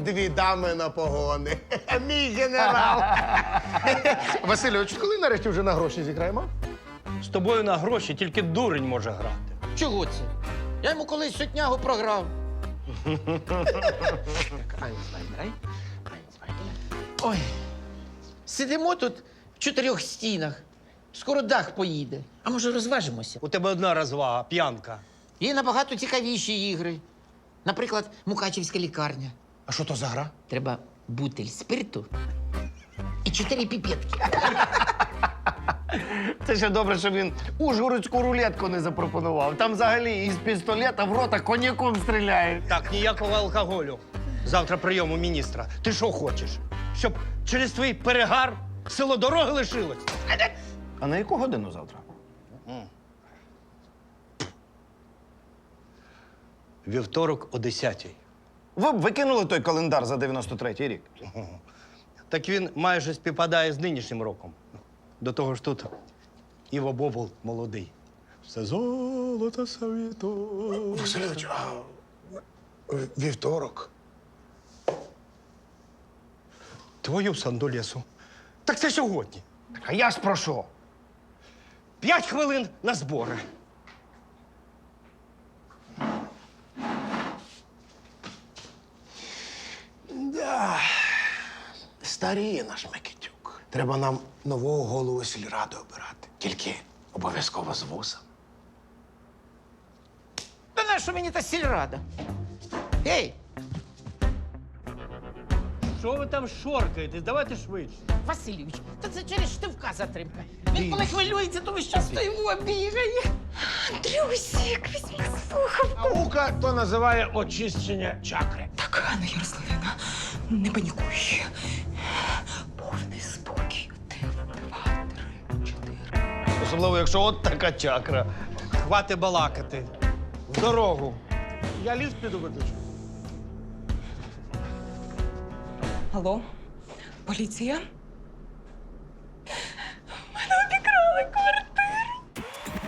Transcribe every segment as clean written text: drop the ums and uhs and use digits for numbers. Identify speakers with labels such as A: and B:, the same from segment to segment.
A: дві дами на погони. Мій генерал. Васильович, коли нарешті вже на гроші зіграємо?
B: З тобою на гроші тільки дурень може грати.
C: Чого це? Я йому колись сотнягу програв. Ой, сидимо тут в чотирьох стінах. Скоро дах поїде. А може розважимося?
B: У тебе одна розвага – п'янка.
C: Є набагато цікавіші ігри. Наприклад, Мукачівська лікарня.
A: А що то за гра?
C: Треба бутиль спирту і 4 піпетки.
A: Це ще добре, що він ужгородську рулетку не запропонував. Там взагалі із пістолета в рота коньяком стріляють.
B: Так, ніякого алкоголю. Завтра прийом у міністра. Ти що хочеш? Щоб через твій перегар село дороги лишилось?
A: А на яку годину завтра?
B: Вівторок о 10-й.
A: Ви б викинули той календар за 93-й рік.
B: Так він майже співпадає з нинішнім роком. До того ж тут Іво Бобул молодий. Все золото світу.
A: Васильович, а вівторок?
B: Твою сандолєсу. Так це сьогодні.
A: А я ж про що?
B: 5 хвилин на збори.
A: Да. Старіє наш Микитюк. Треба нам нового голову сільради обирати. Тільки обов'язково з вуса.
C: Та нащо мені та сільрада? Гей,
B: Що ви там шоркаєтесь? Давайте швидше.
C: Васильович, та це через Штивка затримка. Він коли хвилюється, то весь час стоїмо бігає.
D: Андрюсик, візьми слухав.
A: Наука то називає очищення чакри.
D: Так, Анна Ярославівна, не панікуй. Повний спокій. 1, 2, 3, 4.
B: Особливо, якщо от така чакра. Хвати балакати. В дорогу. Я ліс піду виключу.
D: Алло, поліція? Мене обікрали квартиру.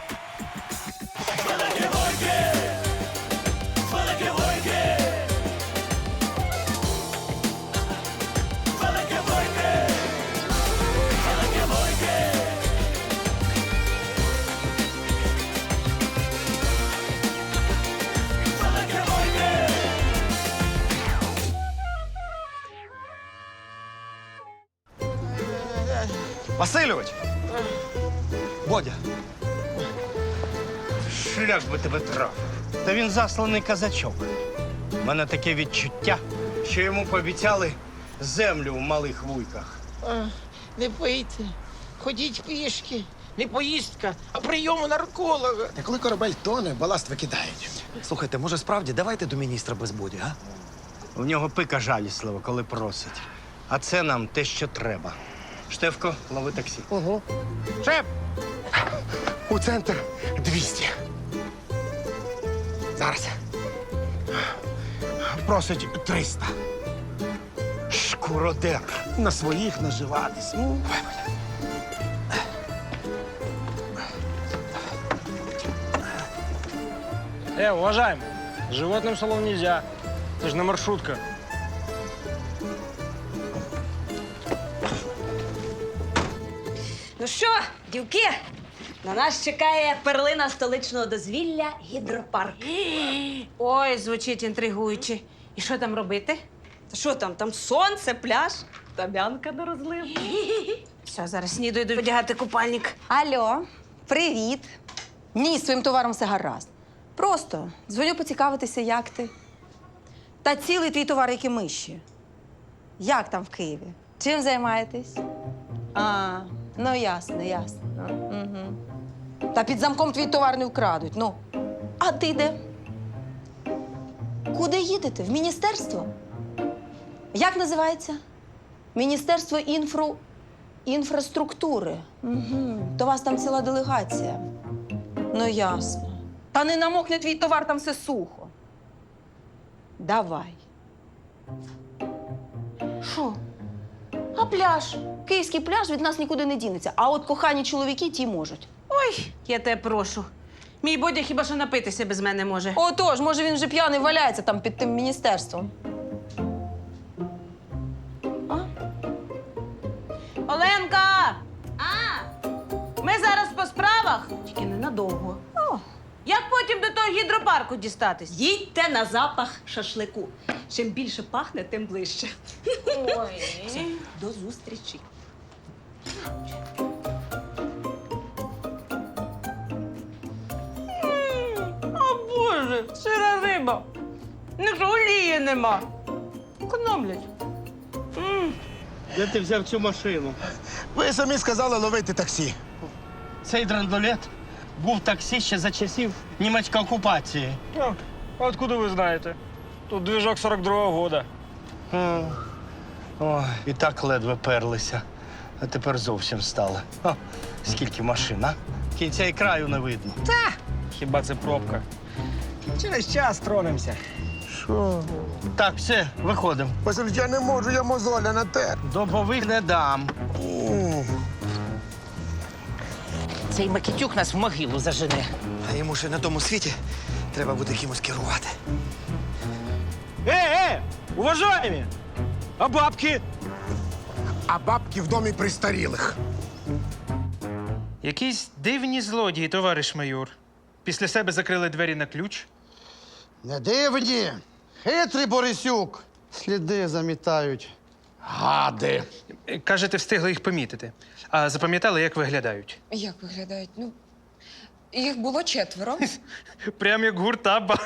B: Васильович! Бодя! Шлях би тебе трапив. Та він засланий казачок. У мене таке відчуття, що йому пообіцяли землю в малих вуйках.
C: Не пийте, ходіть пішки. Не поїздка, а прийом у нарколога.
E: Та коли корабель тоне, баласт викидають.
F: Слухайте, може справді давайте до міністра без боді, а?
B: В нього пика жаліслива, коли просить. А це нам те, що треба. Штефко, лови таксі.
A: Ого. Шеф! У центр 200. Зараз. Просить 300.
B: Шкуродер.
A: На своїх наживатись.
G: Уважаемый, животным в салон нельзя. Это же на маршрутка.
H: Ну що, дівки, на нас чекає перлина столичного дозвілля гідропарк.
I: Ой, звучить інтригуюче. І що там робити?
H: Та що там? Там сонце, пляж, табянка на розлив.
I: Все, зараз сніду йду одягати купальник.
J: Алло, привіт. Ні, з твоїм товаром все гаразд. Просто дзвоню поцікавитися, як ти. Та цілий твій товар, як і миші. Як там в Києві? Чим займаєтесь? А, ну ясно, ясно. Угу. Та під замком твій товар не вкрадуть. Ну, а ти де? Куди їдете? В міністерство? Як називається? Міністерство інфраструктури. Угу. То у вас там ціла делегація. Ну, ясно. Та не намокне твій товар, там все сухо. Давай. Що? А пляж? Київський пляж від нас нікуди не дінеться. А от кохані чоловіки ті можуть.
I: Ой, я тебе прошу. Мій Бодя хіба що напитися без мене може.
J: Отож, може, він вже п'яний валяється там під тим міністерством.
I: Оленка! Ми зараз по справах, тільки ненадовго. Як потім до того гідропарку дістатись?
H: Їдьте на запах шашлику. Чим більше пахне, тим ближче. Все, до зустрічі.
I: О, Боже, сира риба. Не ж олії нема. Економлять.
B: Де ти взяв цю машину?
A: Ви самі сказали ловити таксі.
B: Цей драндулет був таксі ще за часів німецької окупації.
G: А откуда ви знаєте? Тут двіжок 42-го года.
B: Ой, і так ледве перлися, а тепер зовсім стали. Скільки машин, а? Кінця і краю не видно.
G: Хіба це пробка? Через час тронемося.
A: Що?
B: Так, все, виходимо.
A: Василь, я не можу, я мозоля натер.
B: Добових не дам.
C: Цей Микитюк нас в могилу зажене.
F: А йому ще на тому світі треба буде кимось керувати.
G: Уважаемі! А бабки?
A: А бабки в домі престарілих.
K: Якісь дивні злодії, товариш майор. Після себе закрили двері на ключ.
E: Не дивні. Хитрий Борисюк. Сліди замітають. Гади.
K: Кажете, встигли їх помітити. А запам'ятали, як виглядають?
D: Як виглядають? Ну, їх було 4.
K: Прям як гурта.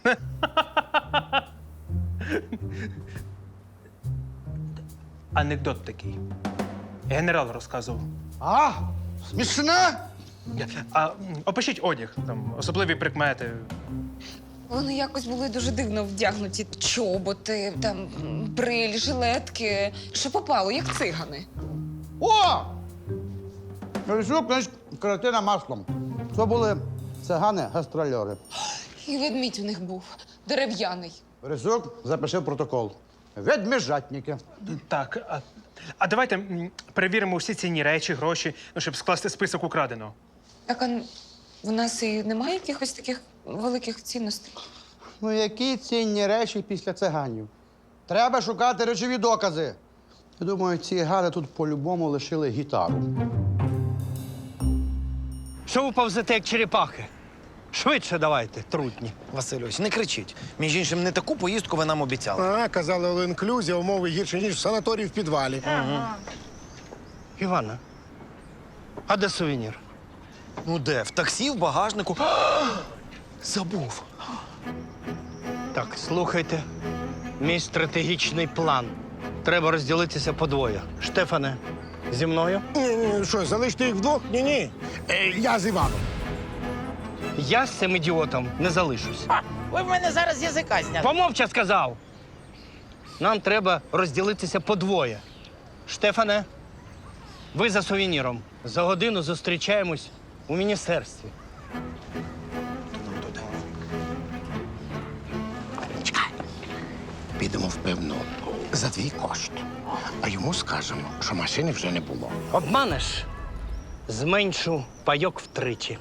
K: Анекдот такий. Генерал розказував.
E: А? Смішне?
K: Опишіть одяг, там, особливі прикмети.
D: Вони якось були дуже дивно вдягнуті. Чоботи, там, бриль, жилетки. Що попало, як цигани.
E: О! Борисюк, значить, картина маслом. Це були цигани-гастрольори.
D: І ведмідь у них був дерев'яний.
E: Борисюк запишив протокол. Ведмежатники.
K: Так, а давайте перевіримо всі цінні речі, гроші, ну, щоб скласти список украденого.
D: Так, а в нас і немає якихось таких великих цінностей?
E: Ну, які цінні речі після циганів? Треба шукати речові докази. Я думаю, ці гади тут по-любому лишили гітару.
B: Що ви повзете, як черепахи? Швидше давайте, трутні.
F: Васильович, не кричіть. Між іншим, не таку поїздку ви нам обіцяли.
A: А, казали, all-inclusive, умови гірші, ніж в санаторії в підвалі.
B: Івана, а де сувенір?
F: Ну де? В таксі, в багажнику. Забув.
B: Так, слухайте. Мій стратегічний план. Треба розділитися подвоє. Штефане, зі мною?
A: Ні, що, залишити їх вдвох? Ні-ні. Я з Іваном.
B: Я з цим ідіотом не залишусь.
C: Ви в мене зараз язика зняли.
B: Помовча сказав. Нам треба розділитися подвоє. Штефане, ви за сувеніром. За годину зустрічаємось у міністерстві.
A: Чекай. Підемо в пивну за твій кошт. А йому скажемо, що машини вже не було.
B: Обманеш? Зменшу пайок втричі.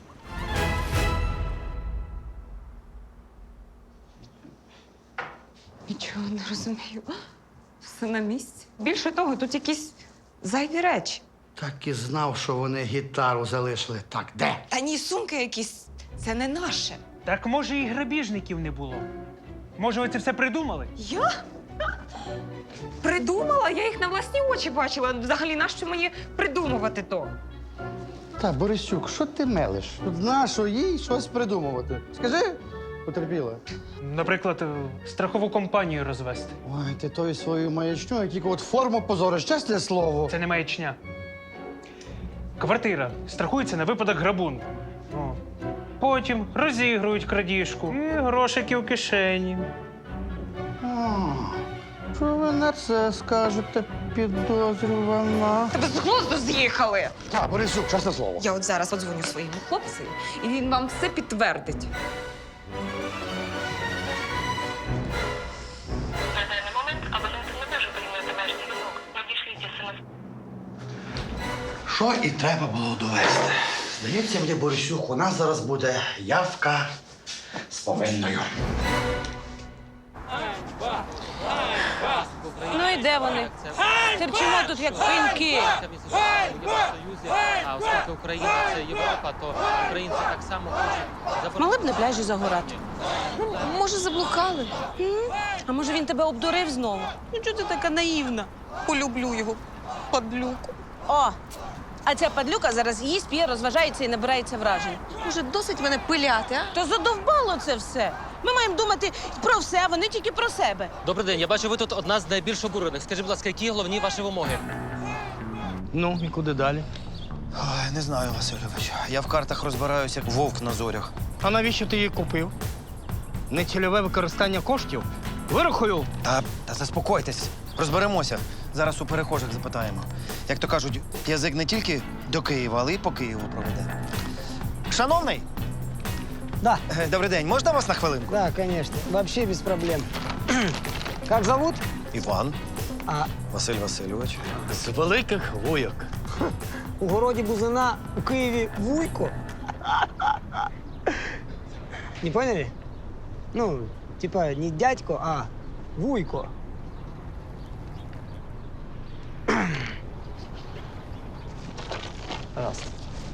D: Нічого не розумію. Все на місці. Більше того, тут якісь зайві речі.
E: Так і знав, що вони гітару залишили. Так, де?
D: Та ні, сумки якісь. Це не наше.
K: Так може і грабіжників не було. Може, ви це все придумали?
D: Я? Придумала? Я їх на власні очі бачила. Взагалі, нащо мені придумувати то?
E: Та, Борисюк, що ти мелиш? Тут нащо їй щось придумувати? Скажи, потерпіла.
K: Наприклад, страхову компанію розвести.
E: Ой, ти тою свою маячню, тільки от форму позориш, чесне слово.
K: Це не маячня. Квартира страхується на випадок грабунку. О. Потім розігрують крадіжку і грошики в кишені.
E: А, що ви на це скажете, підозрювана?
D: Тебе з глузду з'їхали!
E: Так, Борисюк, чесне слово.
D: Я от зараз подзвоню своєму хлопцю, і він вам все підтвердить.
L: На даний момент абонент не може прийняти ваш дзвінок. Надішліть смс.
E: Що і треба було довести. Здається мені, Борисюк, у нас зараз буде явка з повинною.
I: Ну і де вони? Терчимо тут, як пеньки.
G: А оскільки Україна це Європа, то українці так само хочуть
I: Могли б на пляжі загорати.
D: Може, заблукали?
I: А може він тебе обдурив знову? Ну чого ти така наївна?
D: Полюблю його, падлюку.
I: О, а ця падлюка зараз їсть, п'є, розважається і набирається вражень.
D: Може, досить мене пиляти, а?
I: То задовбало це все. Ми маємо думати про все, а вони тільки про себе.
G: Добрий день, я бачу, ви тут одна з найбільш обурених. Скажіть, будь ласка, які головні ваші вимоги?
B: Ну, і куди далі?
F: Ой, не знаю, Васильович. Я в картах розбираюся, як вовк на зорях.
B: А навіщо ти її купив? Нецільове використання коштів? Вирахую.
F: Та заспокойтесь, розберемося. Зараз у перехожих запитаємо. Як то кажуть, язик не тільки до Києва, але й по Києву проведе. Шановний!
E: Да.
F: Добрий день, можна вас на хвилинку?
E: Да, конечно. Вообще без проблем. Как зовут?
F: Іван.
E: А
F: Василь Васильович.
B: З великих вуйок.
E: у городі Бузина у Києві Вуйко? Не поняли? Ну, типа не дядько, а Вуйко. Пожалуйста.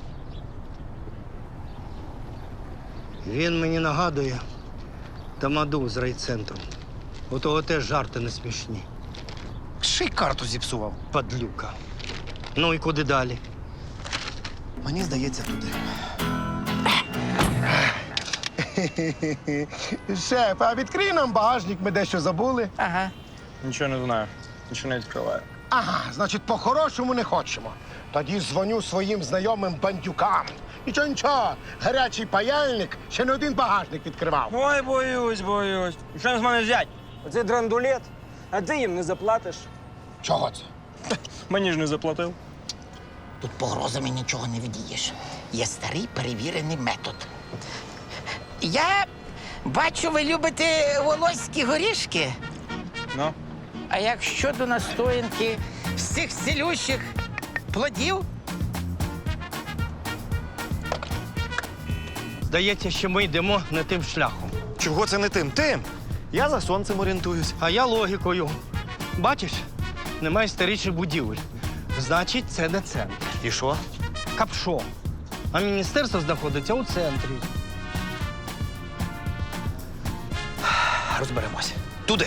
B: Він мені нагадує тамаду з райцентру. У того теж жарти не смішні.
F: Ще й карту зіпсував.
B: Падлюка. Ну і куди далі?
F: Мені здається, туди.
A: Шеф, а відкрий нам багажник, ми дещо забули.
C: Ага.
G: Нічого не знаю, нічого не відкриваю.
A: Ага, значить, по-хорошому не хочемо. Тоді дзвоню своїм знайомим бандюкам. Нічого, гарячий паяльник ще не один багажник відкривав.
K: Ой, боюсь. Що з мене взять? Оце драндулет, а ти їм не заплатиш.
A: Чого це?
K: Мені ж не заплатив.
C: Тут погрозами нічого не вдієш. Є старий перевірений метод. Я бачу, ви любите волоські горішки.
K: Ну?
C: А як щодо настоянки з цих цілющих плодів?
B: Здається, що ми йдемо не тим шляхом.
F: Чого це не тим? Тим! Я за сонцем орієнтуюсь.
B: А я логікою. Бачиш, немає старічих будівель. Значить, це не центр.
F: І що?
B: Капшо. А міністерство знаходиться у центрі.
F: Розберемося. Туди.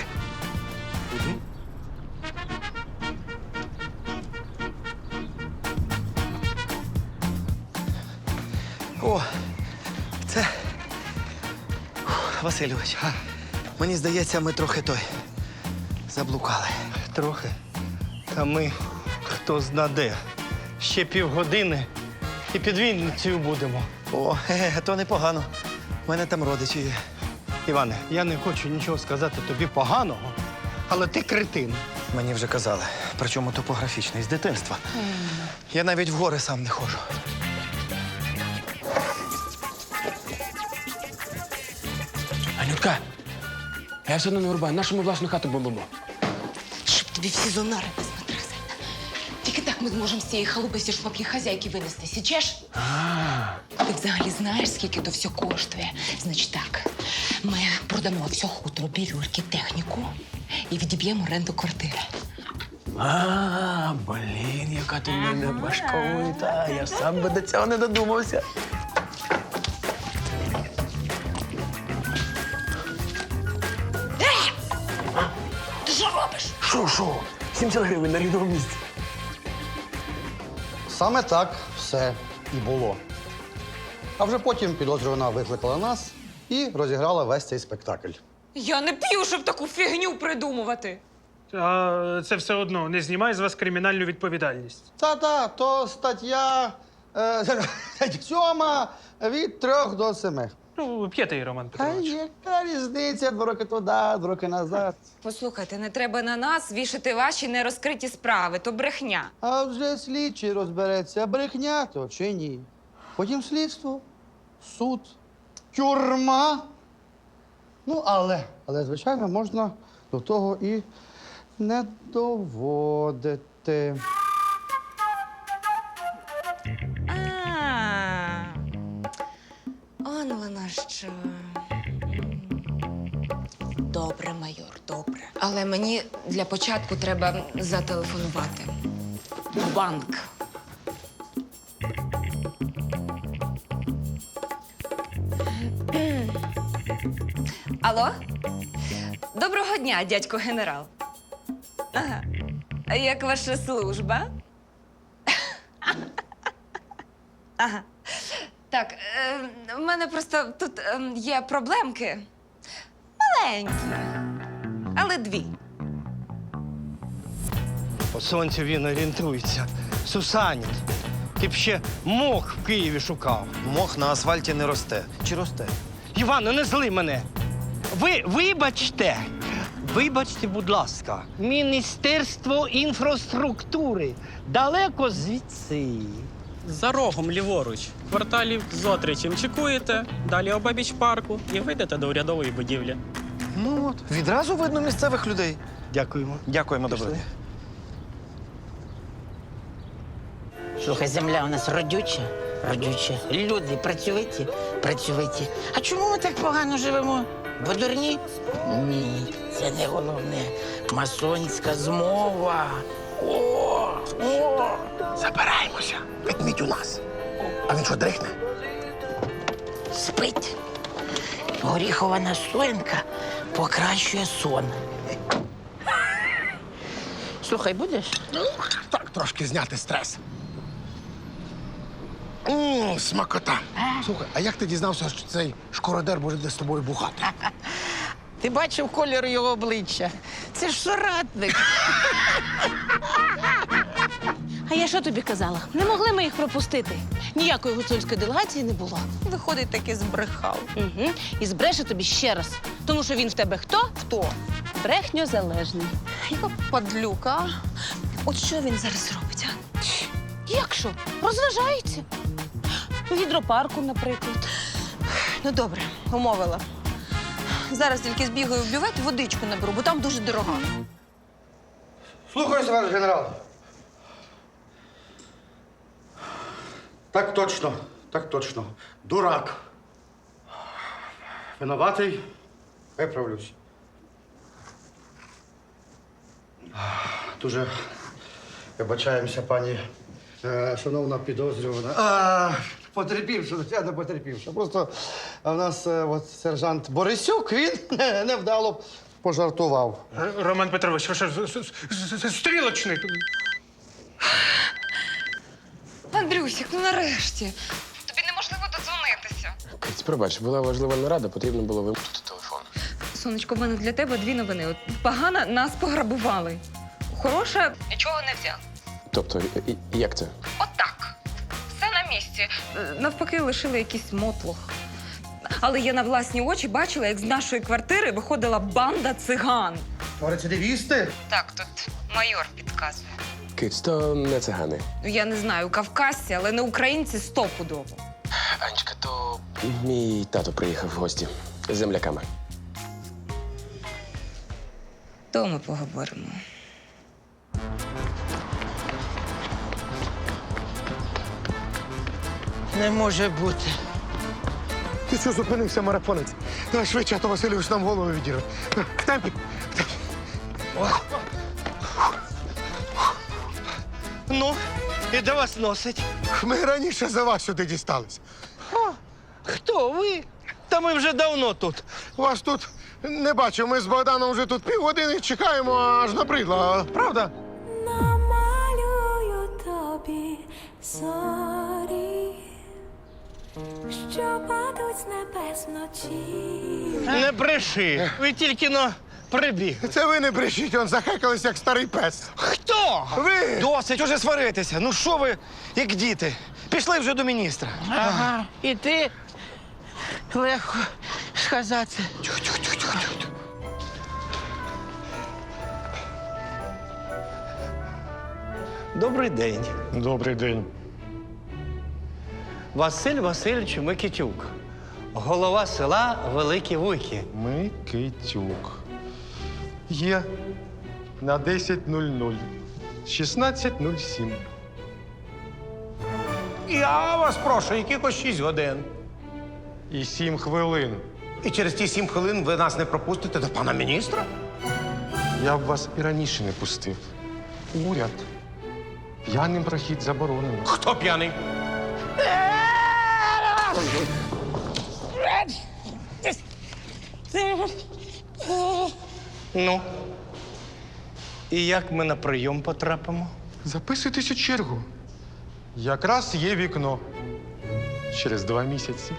F: О, це. Васильович, мені здається, ми трохи заблукали.
B: Трохи. Та ми хто зна де. Ще півгодини і під Вінницею будемо.
F: О, то непогано. У мене там родичі є.
B: Іване, я не хочу нічого сказати тобі поганого, але ти кретин.
F: Мені вже казали, причому топографічний, з дитинства. Я навіть в гори сам не ходжу.
G: Анютка, я все одно не врубаю. Нашу ми власну хату бомбимо.
D: Щоб тобі всі зонари посмотрели. Тільки так ми зможемо з цієї халупи сільшпаки хазяйки винести. Січеш? Ти взагалі знаєш, скільки то все коштує? Значить так, ми продамо все хутро, бірюрки, техніку і відіб'ємо оренду квартири.
G: Блін, яка ти в мене башковита. Я сам би до цього не додумався.
D: Ти що робиш?
G: Що? 70 гривень на рівному місці.
E: Саме так все і було. А вже потім підозрювана викликала нас і розіграла весь цей спектакль.
D: Я не п'ю, щоб таку фігню придумувати.
K: А це все одно не знімає з вас кримінальну відповідальність.
E: Та-та, то стаття 7 від 3 до 7.
K: Ну, п'єте її, Роман
E: А
K: Петрович.
E: яка різниця? 2 роки туди, 2 роки назад.
D: Послухайте, не треба на нас вішати ваші нерозкриті справи, то брехня.
E: А вже слідчий розбереться, брехня то чи ні. Потім слідство, суд, тюрма. Ну, але, звичайно, можна до того і не доводити.
D: Он воно що. Добре. Добре, майор, добре. Але мені для початку треба зателефонувати. У банк. Алло? Доброго дня, дядько генерал. Ага. А як ваша служба? Ага. Так, в мене просто тут є проблемки. Маленькі, але дві.
B: По сонцю він орієнтується. Сусанін. Ти б ще мох в Києві шукав.
F: Мох на асфальті не росте. Чи росте?
B: Івано, не зли мене. Вибачте, будь ласка, Міністерство інфраструктури далеко звідси.
M: За рогом ліворуч, кварталів зо-3 чимчикуєте, далі обабіч парку і вийдете до урядової будівлі.
F: Ну от, відразу видно місцевих людей.
B: Дякуємо.
F: Дякуємо, добре.
C: Слухай, земля у нас родюча, родюча. Люди працьовиті, працьовиті. А чому ми так погано живемо? Бо дурні? Ні, це не головне. Масонська змова. О!
A: Забираємося. Ведмідь у нас. А він що, дрихне?
C: Спить. Горіхова настоянка покращує сон. Слухай, будеш?
A: Так, трошки зняти стрес. Смакота. Слухай, а як ти дізнався, що цей шкородер буде з тобою бухати?
C: Ти бачив колір його обличчя? Це ж соратник.
I: А я що тобі казала? Не могли ми їх пропустити. Ніякої гуцульської делегації не було.
J: Виходить, таки збрехав.
I: Угу. І збреше тобі ще раз. Тому що він в тебе хто?
J: Хто?
I: Брехньозалежний.
J: Яка падлюка. А? От що він зараз робить, а?
I: Як що? Розважається. У гідропарку, наприклад.
J: Ну, добре, умовила. Зараз тільки збігаю в бювет і водичку наберу, бо там дуже дорога.
E: Слухаюся, ваш генерал. Так точно, так точно. Дурак. Винуватий. Виправлюсь. Дуже вибачаємося, пані шановна підозрювана. Потерпівши, я не потерпівши. Просто в нас от сержант Борисюк, він невдало пожартував.
K: Роман Петрович, ви що, стрілочник?
J: Андрюсік, ну нарешті. Тобі неможливо додзвонитися.
N: Киць, пробач, була важлива нарада, потрібно було вимкнути телефон.
J: Сонечко, в мене для тебе дві новини. От погана, нас пограбували. Хороша, нічого не взяв.
N: Тобто, як це?
J: Отак. Все на місці. Навпаки, лишили якийсь мотлох. Але я на власні очі бачила, як з нашої квартири виходила банда циган.
E: Рецидивісти?
J: Так, тут майор підказує.
N: Киць, то не цигани.
J: Ну, я не знаю, кавказці, але не українці стопудово.
N: Анечка, то мій тато приїхав в гості з земляками.
J: То ми поговоримо.
C: Не може бути.
A: Ти що зупинився, марафонець? Давай швидше, а то Васильович нам голову відірве. В темпі.
B: Ну, і де вас носить?
A: Ми раніше за вас сюди дістались.
B: Хто ви? Та ми вже давно тут.
A: Вас тут не бачив. Ми з Богданом вже тут півгодини чекаємо, аж набридло. Правда?
L: Намалюю тобі зорі, що падуть з небес вночі.
B: Не бреши. Ви тільки прибіг.
A: Це ви не брешіть, он захекались, як старий пес.
B: Хто?
A: Ви!
F: Досить уже сваритися. Ну що ви, як діти? Пішли вже до міністра.
C: Ага. І ти легко сказати.
B: Добрий день.
A: Добрий день.
B: Василь Васильович Микитюк. Голова села Великі Вуйки.
A: Микитюк. Є на 10:00. 16:07.
G: Я вас прошу, якихось 6 годин.
A: І 7 хвилин. І через ті 7 хвилин ви нас не пропустите до пана міністра?
O: Я б вас і раніше не пустив. Уряд. П'яним прохід заборонено.
A: Хто п'яний?
B: Ну. І як ми на прийом потрапимо?
O: Записуйтесь у чергу. Якраз є вікно. Через 2 місяці.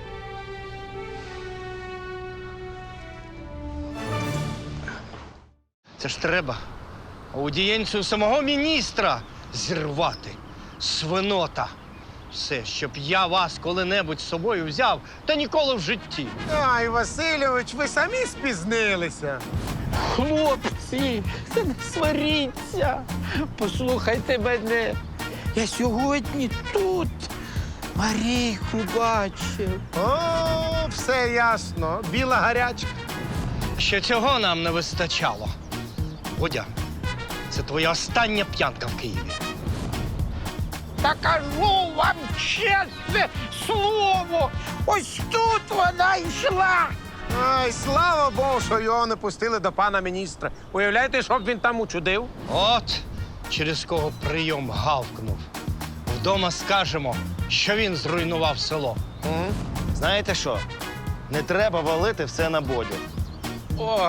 B: Це ж треба аудієнцію самого міністра зірвати. Свинота. Все, щоб я вас коли-небудь з собою взяв, та ніколи в житті.
A: Ай, Васильович, ви самі спізнилися.
C: Хлопці, це не сваріться. Послухайте мене. Я сьогодні тут Марійку бачив.
A: О, все ясно. Біла гарячка.
B: Ще цього нам не вистачало. Водя, це твоя остання п'янка в Києві.
C: Та кажу вам чесне слово. Ось тут вона йшла.
A: Ай, слава Богу, що його не пустили до пана міністра. Уявляєте, що б він там учудив?
B: От через кого прийом гавкнув. Вдома скажемо, що він зруйнував село.
F: Знаєте що? Не треба валити все на Бодю.
B: О!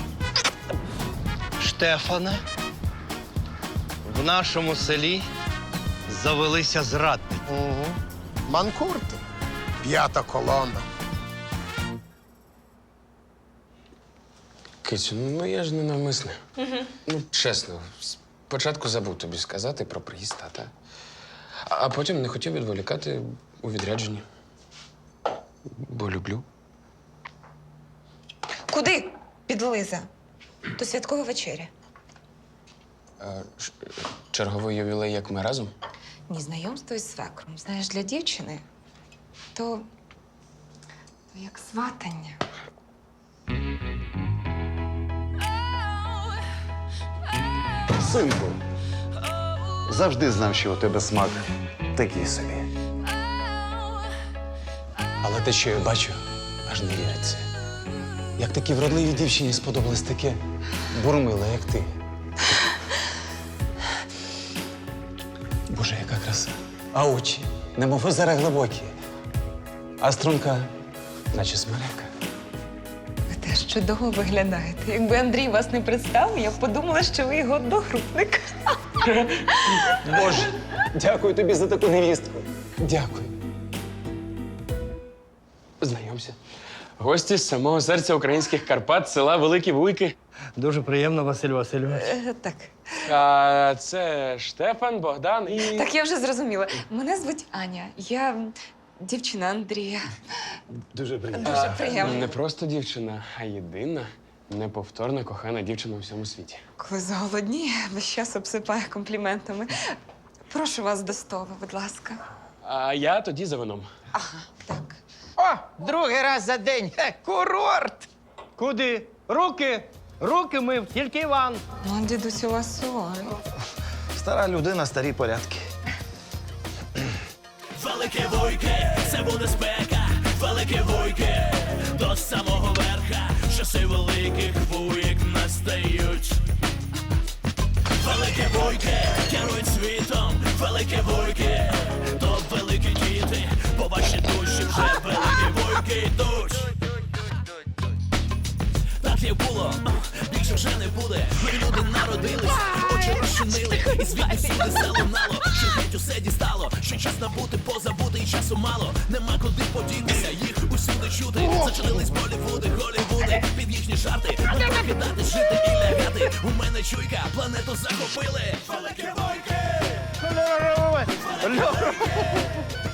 B: Штефане, в нашому селі завелися зрадники.
A: Угу. Манкурти. 5-та колона.
N: Кицю, ну я ж не навмисне. Ну, чесно, спочатку забув тобі сказати про приїзд тата. А потім не хотів відволікати у відрядженні. Бо люблю.
D: Куди? Підлиза. До святкової вечері.
N: Черговий ювілей, як ми разом?
D: Ні, знайомство із свекром. Знаєш, для дівчини то як сватання.
P: Синку, завжди знав, що у тебе смак такий собі.
N: Але те, що я бачу, аж не віриться. Як такій вродливій дівчині сподобалось таке бурмиле, як ти. Боже, яка краса. А очі, немов озера глибокі. А струнка, наче смерека.
D: Ви теж чудово виглядаєте. Якби Андрій вас не представив, я б подумала, що ви його одногрупник.
N: Боже, дякую тобі за таку невістку. Дякую. Знайомся. Гості з самого серця українських Карпат, села Великі Вуйки.
B: Дуже приємно, Василь Васильович.
D: Так.
N: А це Штефан, Богдан і...
D: Так, я вже зрозуміла. Мене звуть Аня. Я дівчина Андрія.
P: Дуже приємно.
D: Дуже приємно.
N: Не просто дівчина, а єдина, неповторна, кохана дівчина у всьому світі.
D: Коли заголодніє, весь час обсипає компліментами. Прошу вас до столу, будь ласка.
N: А я тоді за вином.
D: Ага, так.
C: О, другий раз за день. Курорт.
B: Куди? Руки! Руки мив, тільки Іван.
D: Ну, дідусю ласой.
F: Стара людина, старі порядки.
Q: Велике Вуйки, це буде спека. Велике Вуйки, до самого верха. Часи великих вуйк настають. Велике Вуйки, керують світом. Велике Вуйки, то великі діти. По вашій душі вже великі вуйки йдуть. Так як було, більше вже не буде. Нові люди народились, очі розчинили. І звідти всюди залунало, що геть усе дістало. Що час набути, позабути, і часу мало. Нема куди подітися, їх усюди чути. Зачинились Болівуди, Голівуди, під їхні жарти. Не покидати, жити і лягати. У мене чуйка, планету захопили. Великі Вуйки!